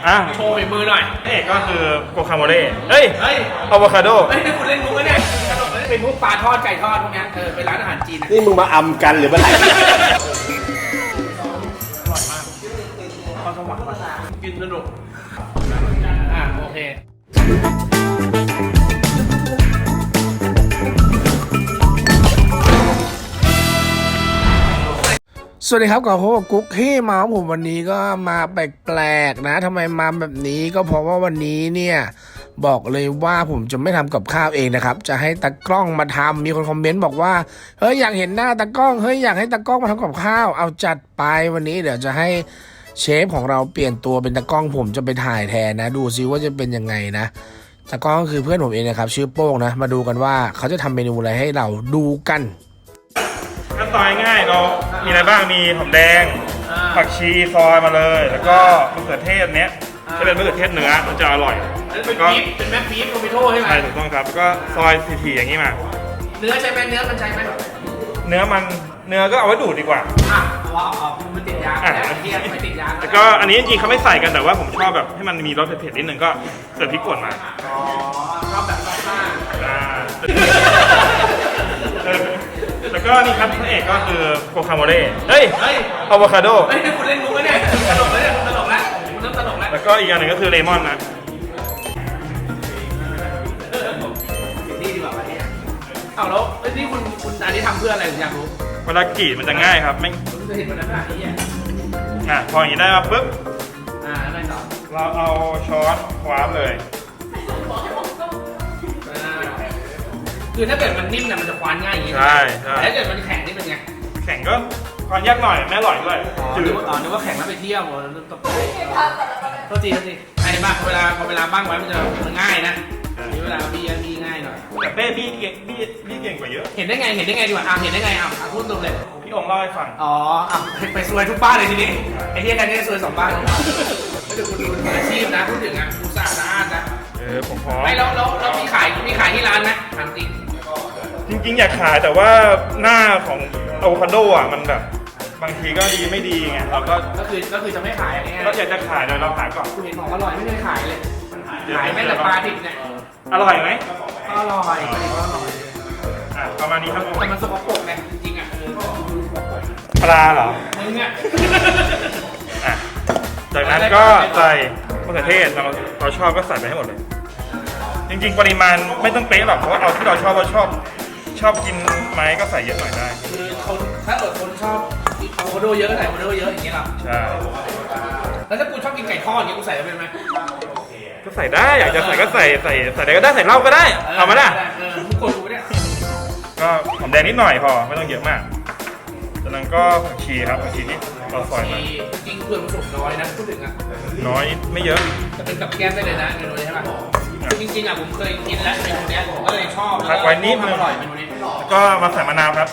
โชว์ฝีมือหน่อยเอกก็คือโกคาโมเล่เฮ้ยอะโวคาโดนี่คุณเล่นมุกเนี่ยขนมเป็นพวกปลาทอดไก่ทอดพวกนี้เป็นร้านอาหารจีนนี่มึงมาอำกันหรือมาไหนข้าวสวรรค์มากินสนุกโอเคสวัสดีครับกับกุ๊กที่มาของผมวันนี้ก็มาแปลกๆนะทำไมมาแบบนี้ก็เพราะว่าวันนี้เนี่ยบอกเลยว่าผมจะไม่ทำกับข้าวเองนะครับจะให้ตากล้องมาทำมีคนคอมเมนต์บอกว่าเฮ้ยอยากเห็นหน้าตากล้องเฮ้ยอยากให้ตากล้องมาทำกับข้าวเอาจัดไปวันนี้เดี๋ยวจะให้เชฟของเราเปลี่ยนตัวเป็นตากล้องผมจะไปถ่ายแทนนะดูซิว่าจะเป็นยังไงนะตากล้องก็คือเพื่อนผมเองนะครับชื่อโป้งนะมาดูกันว่าเขาจะทำเมนูอะไรให้เราดูกันขั้นตอนง่ายเรามีอะไรบ้างมีหอมแดงผักชีซอยมาเลยแล้วก็มะเขือเทศเนี้ยจะเป็นมะเขือเทศเนื้อมันจะอร่อยแล้วก็เป็นแม่ปี๊บโทมิโต้ใช่ไหมใช่ถูกต้องครับแล้วก็ซอยทีๆอย่างนี้มาเนื้อใช่ไหมเนื้อมันใช่ไหมเนื้อก็เอาไว้ดูดดีกว่าเอามันติดยาไม่ติดยาแล้วก็อันนี้จริงๆเขาไม่ใส่กันแต่ว่าผมชอบแบบให้มันมีรสเผ็ดๆนิดนึงก็เสิร์ฟพริกป่นมาชอบแบบซ่าแล้วก็นี่ครับพระเอกก็คือโกคาโมเล่เฮ้ยอะโวคาโดนี่คุณเล่นมุกเนี่ยตลกเลยคุณตลกแล้วคุณเริ่มตลกแล้วแล้วก็อีกอย่างหนึ่งก็คือเลมอนนะนี่ดีกว่าเนี่ยเอาแล้วนี่คุณอันนี้ทำเพื่ออะไรผมอยากรู้เวลากรีดมันจะง่ายครับไม่จะเห็นมันขนาดนี้พออย่างนี้ได้มาปุ๊บอะไรต่อเราเอาช้อนคว้าเลยคือถ้าเกิดมันนิ่มเนี่ยมันจะคว้านง่ายอย่างนี้ใช่แต่ถ้าเกิดมันแข็งนี่เป็นไงแข็งก็คว้านยากหน่อยไม่อร่อยด้วยนึกว่าแข็งแล้วไปเที่ยวตกใจโทษทีไอ้บ้าพอเวลาบ้างไว้มันง่ายนะเวลาบี้ง่ายหน่อยแต่เป้บี้เก่งกว่าเยอะเห็นได้ไงดีกว่าเห็นได้ไงพูดตรงเลยพี่องค์เล่าให้ฟังไปซวยทุกบ้านเลยทีนี้ไอ้เหี้ยกันนี่ซวย2 บ้านไม่ถึงคุณอาชีพนะพูดถึงคุณสะอาดนะผมพอไม่แล้วมีขายที่ร้านไหมถามจริงอยากขายแต่ว่าหน้าของอะโวคาโดมันแบบบางทีก็ดีไม่ดีไงเราก็คือจะไม่ขายอย่างเงี้ยก็อยากจะขายโดยเราขายก่อนคุณเห็นของอร่อยไม่เคยขายเลยขายแม้แต่ปลาดิบเนี่ยอร่อยไหมอร่อยประมาณนี้ครับแต่มันสกปรกไงจริงปลาเหรอมึงจากนั้นก็ใส่มะเขือเทศเราชอบก็ใส่ไปให้หมดเลยจริงๆปริมาณไม่ต้องเป๊ะหรอกเพราะว่าเอาที่เราชอบกินไหมก็ใส่เยอะหน่อยได้คือถ้าคนชอบโมโดเยอะใส่โมโดเยอะอย่างเงี้ยหรอใช่แล้วถ้ากูชอบกินไก่ทอดอย่างเงี้ยกูใส่ได้ไหมก็ใส่ได้อยากจะใส่ก็ใส่อะไรก็ได้ใส่เหล้าก็ได้เอามาได้มึงกดกูเนี่ยก็หอมแดงนิดหน่อยพอไม่ต้องเยอะมากจากนั้นก็ผักชีครับผักชีนี่เราซอยมาจริงเพื่อนผสมน้อยนะพูดถึงน้อยไม่เยอะจะเป็นกับแก้มได้เลยนะเมนูนี้ใช่ไหมจริงผมเคยกินแล้วเมนูนี้ผมก็เลยชอบพักไว้นิดนึงก็มาใส่มะนาวครับ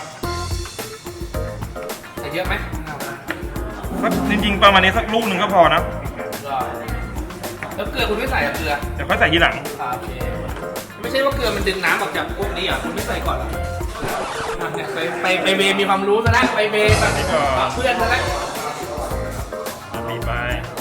ใส่เยอะไหมจริงๆประมาณนี้สักลูกหนึ่งก็พอนะแล้วเกลือคุณไม่ใส่เกลือเดี๋ยวค่อยใส่ทีหลังไม่ใช่ว่าเกลือมันดึงน้ำออกจากพวกนี้อ่ะคุณไม่ใส่ก่อนหรอไปเบมีความรู้ซะแล้วไปเบแบบเพื่อนซะแล้วมีไป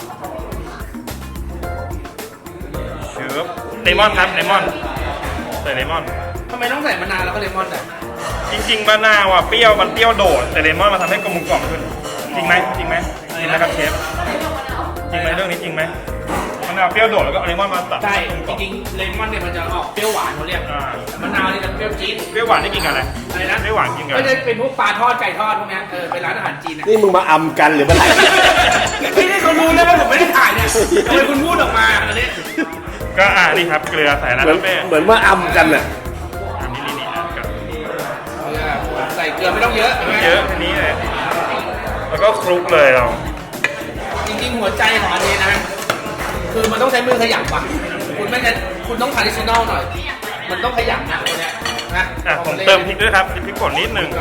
เชือบเลมอนครับเลมอนใส่เลมอนทำไมต้องใส่มะนาวแล้วก็เลมอนอ่ะจริงๆมะนาวเปรี้ยวมันเปรี้ยวโดดแต่เลมอนมาทำให้กลมกล่อมขึ้นจริงไหมจริงนะครับเชฟจริงไหมเรื่องนี้จริงไหมมะนาวเปรี้ยวโดดแล้วก็เลมอนมาตัดใช่จริงๆเลมอนเนี่ยมันจะออกเปรี้ยวหวานเขาเรียกมะนาวนี่จะเปรี้ยวจี๊ดเปรี้ยวหวานได้กินกันอะไรนะเปรี้ยวหวานกินกันก็จะเป็นพวกปลาทอดไก่ทอดพวกนี้เป็นร้านอาหารจีนนี่มึงมาอำกันหรือมาไหนนี่เขารู้แล้วว่าผมไม่ได้ถ่ายเนี่ยทำไมคุณพูดออกมาอันนี้ก็นี่ครับเกลือใส่แล้วเหมือนมาอำกันน่ะนี่กับใส่เกลือไม่ต้องเยอะนี่เลยแล้วก็คลุกเลยเราจริงๆหัวใจของอันนี้นะคือมันต้องใช้มือขยับว่ะคุณต้องทาดิชิโนลหน่อยมันต้องขยับนะตัวเนี้ยนะผมเติมพริกด้วยครับพริกป่นนิดนึง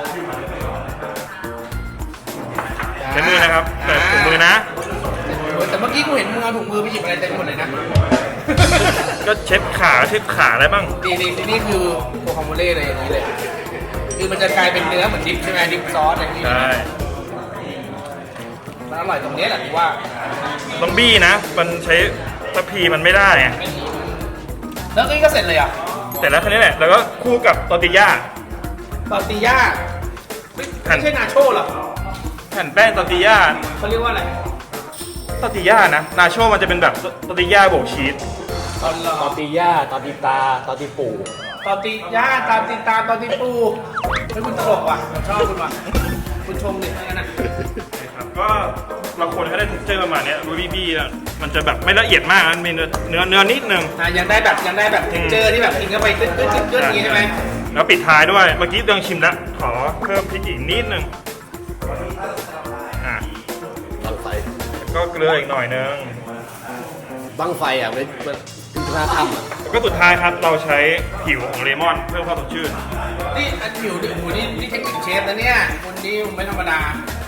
ใช้มือนะครับแต่ถุงมือนะแต่เมื่อกี้กูเห็นมึงเอาถุงมือไปหยิบอะไรเต็มหมดเลยนะก็เช็ดขาอะไรบ้างนี่คือโคคาโมเล่เลยอย่างนี้เลยคือมันจะกลายเป็นเนื้อเหมือนดิบใช่ไหมดิบซอสอย่างนี้ใช่มันอร่อยตรงนี้แหละที่ว่าต้องบี้นะ มันใช้ทัพพีมันไม่ได้ไงแล้วนี่ก็เสร็จเลยอ่ะเสร็จแล้วแค่นี้แหละ แล้วก็คู่กับตอร์ติญ่าตอร์ติญ่าไม่ใช่นาโชเหรอแผ่นแป้งตอร์ติญ่าเขาเรียกว่าอะไรตอร์ติญ่านะ นาโชมันจะเป็นแบบตอร์ติญ่าโบกชีสตอติย่าตอติตาตอติปู่ตอร์ติญ่าตามตินตามตอร์ติปูไม่คุณตลกว่ะผมชอบคุณว่ะคุณชมดิทั้งนั้นนะครับก็เราควรให้ได้เท็กเจอร์ประมาณเนี้ยรูบี้บี้อะมันจะแบบไม่ละเอียดมากมันมีเนื้อนิดนึงยังได้แบบเทคเจอร์ที่แบบกินเข้าไปกึ๊ดอย่างงี้ใช่ไหมแล้วปิดท้ายด้วย เมื่อกี้เดิงชิมแล้ว ขอเพิ่มพริกอีกนิดนึงอ่ะบังไฟแล้วก็เกลืออีกหน่อยนึงบังไฟอ่ะมันคือท่าทำอ่ะแล้วก็สุดท้ายครับเราใช้ผิวของเลมอนเพิ่มความสดชื่นนี่อันผิวดิโอ้โหนี่เทคนิคเชฟนะเนี่ยคนนี้ไม่ธรรมดา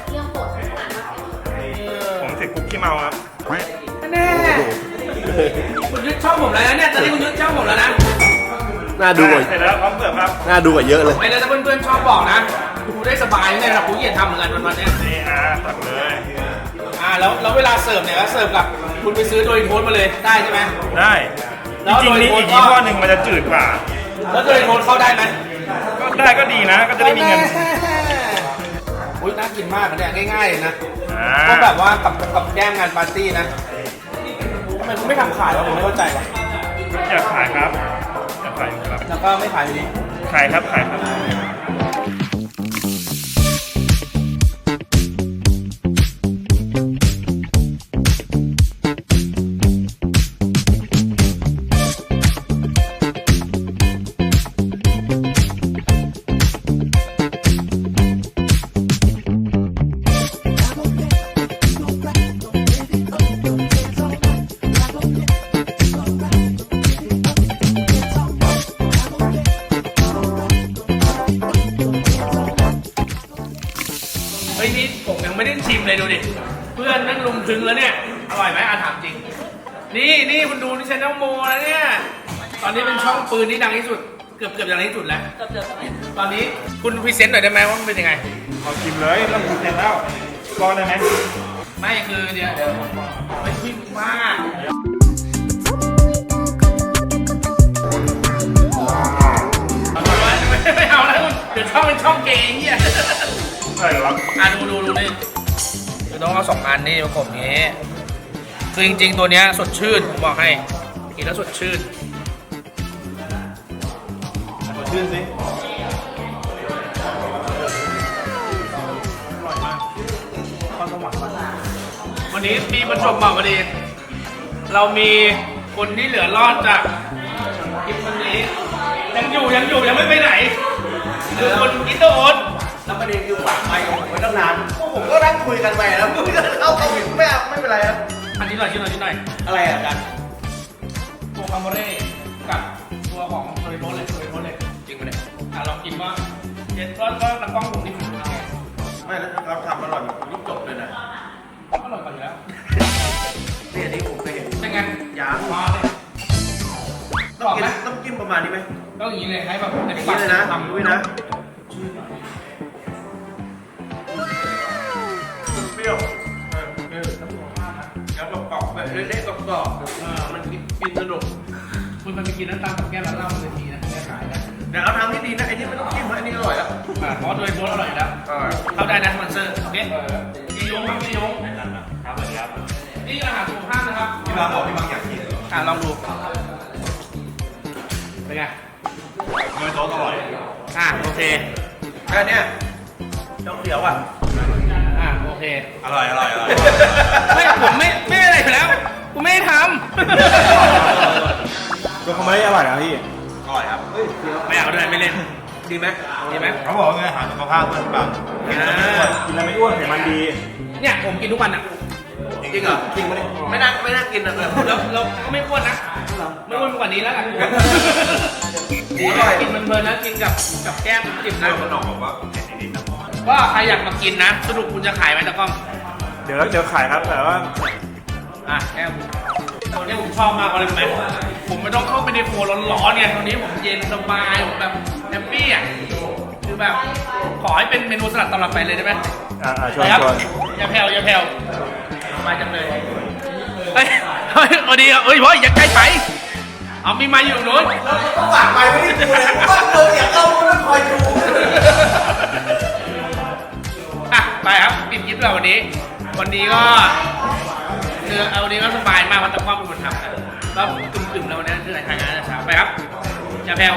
ผมติดคุกขี้เมาครับแน่คุณยึดช่องผมแล้วนะเนี่ยตอนนี้คุณยึดช่องผมแล้วนะน่าดูกว่าเสร็จแล้วพร้อมเสิร์ฟครับน่าดูกว่าเยอะเลยไม่แล้วถ้าเพื่อนๆชอบบอกนะกูได้สบายเลยนะกูเกียดทำเหมือนกันวันๆเนี้ยนี่ตักเลยแล้วเวลาเสิร์ฟเนี่ยก็เสิร์ฟกับคุณไปซื้อโดยโทสมาเลยได้ใช่ไหมได้แล้วจริงๆมีอีกโดยยี่ห้อหนึ่งมันจะจืดกว่าแล้วโดยโทสเข้าได้ไหมก็ได้ก็ดีนะ ก็จะได้มีเงินอุ้ยน่ากินมากนะเนี่ยง่ายๆเลยนะอ่าก็แบบว่ากับแก้มงานปาร์ตี้นะทำไมคุณไม่ทำขายวะผมไม่เข้าใจวะอยากขายครับอยากขายอยู่ครับแล้วก็ไม่ขายอยู่ดีขายครับขายครับเฮ้ยนี่ผมยังไม่ได้ชิมเลยดูดิเพื่อนนั่งลุมถึงแล้วเนี่ยอร่อยไหมถามจริงนี่คุณดูนี่ชแนลโมแล้วเนี่ยตอนนี้เป็นช่องปืนที่ดังที่สุดเกือบดังที่สุดแล้วตอนนี้คุณพรีเซนต์หน่อยได้ไหมว่ามันเป็นยังไงเอาชิมเลยเริ่มเสร็จแล้วรอได้ไหมไม่คือเดี๋ยวไม่พิมพ์มากไม่เอาแล้วคุณเดี๋ยวช่องเป็นช่องเกย์เฮียใช่ครับดูนี่คือต้องเอา2 อันนี่ประกบอย่างนี้คือจริงๆตัวเนี้ยสดชื่นผมบอกให้กินแล้วสดชื่นสดชื่นสิวันนี้มีประจวบเหมาะพอดี เรามีคนที่เหลือรอดจากคลิปวันนี้ยังอยู่ยังไม่ไปไหนคือคนอินเตอร์โอนแล้วประเด็นคือฝากไมค์ผมไว้ตั้งนานพวกผมก็นั่งคุยกันไปแล้วไม่เข้าผิดไม่เป็นไรครับอันนี้หน่อยชิ้นหน่อยอะไรอ่ะอาจารย์ตัวคาโมเร่กับตัวของโทริโมเลยจริงไหมเนี่ยลองกินว่าเด็ดก็ตะกล้องผมนี่ไม่แล้วเราทำอร่อยแบบนี้จบเลยนะอร่อยกว่าอยู่แล้วนี่อันนี้ผมเคยเห็นเป็นไงยางมาเลยต้องกินต้องกินประมาณนี้ไหมต้องอย่างนี้เลยให้แบบอย่างนี้เลยนะทำด้วยนะเปรี้ยวแล้วกรอบๆแบบเละๆกรอบๆมันกินสนุกคุณมันไปกินน้ำตาลกับแก้มแล้วเหล้ามันเลยทีนะแก้ขายนะเดี๋ยวเอาทางที่ดีนะไอ้นี่ไม่ต้องกินนะไอ้นี่อร่อยแล้วเพราะโดยโพสอร่อยแล้ว เข้าได้นะสปอนเซอร์โอเคพี่ยงครับพี่ยงครับสวัสดีครับนี่อาหารสุขภาพนะครับพี่บางบอกพี่บางอยากกินลองดูเป็นไงเนื้อโซสอร่อยโอเคแค่เนี้ยต้องเขียวอ่ะโอเคอร่อยไม่ผมไม่อะไรอยู่แล้วกูไม่ได้ทตัวเขาไม่ได้อร่อยนะพี่อร่อยครับเฮ้ยเดี๋ยวำไม่เอาด้วยไม่เล่นดีไหมดีไหมเขาบอกว่าไงอาหารสุขภาพมันแบบกินแล้วไม่อ้วนกินแล้วไม่อ้วนไขมันดีเนี่ยผมกินทุกวันอ่ะจริงเหรอจริงไหมไม่น่ากินนะเลยเราก็ไม่อ้วนนะไม่อ้วนกว่านี้แล้วกันดีกินมันเพลินนะกินกับแก้มจิบนะขนมบอกว่าเผ็ดนิดๆนะก็ใครอยากมากินนะสรุปคุณจะขายไหมตะกล้องเดี๋ยวขายครับแต่ว่าแก้มตัวนี้ผมชอบมากเลยไหมผมไม่ต้องเข้าไปในโฟร้อนๆไงตอนนี้ผมเย็นสบายผมแบบแฮปปี้อ่ะคือแบบขอให้เป็นเมนูสลัดตลอดไปเลยได้ไหมชวนครับชวนอย่าแผ่วสบายจังเลยเฮ้ยเฮ้ยพอดีเฮ้ยพ่ออย่าใกล้ไปเอามีไม้อยู่ตรงนู้นต้องฝากไปไม่ได้ดูเลยว่าเราอยากเข้าต้องคอยดูอ่ะไปครับปิดคลิปเราวันนี้ก็คือเอาวันนี้ก็สบายมากเพราะตะก้อเป็นคนทำนะแล้วกึ่มๆเราเนี่ยคือทางงานเช้าไปครับอย่าแผ่ว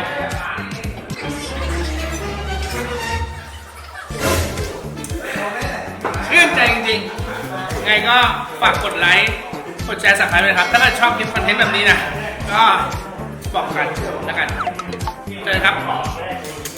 ชื่นใจจริงๆไงก็ฝากกดไลค์กดแชร์สับสไครบ์ด้วยครับถ้าเกิดชอบคลิปคอนเทนต์แบบนี้นะก็บอกกันแล้วกันเจอกันครับ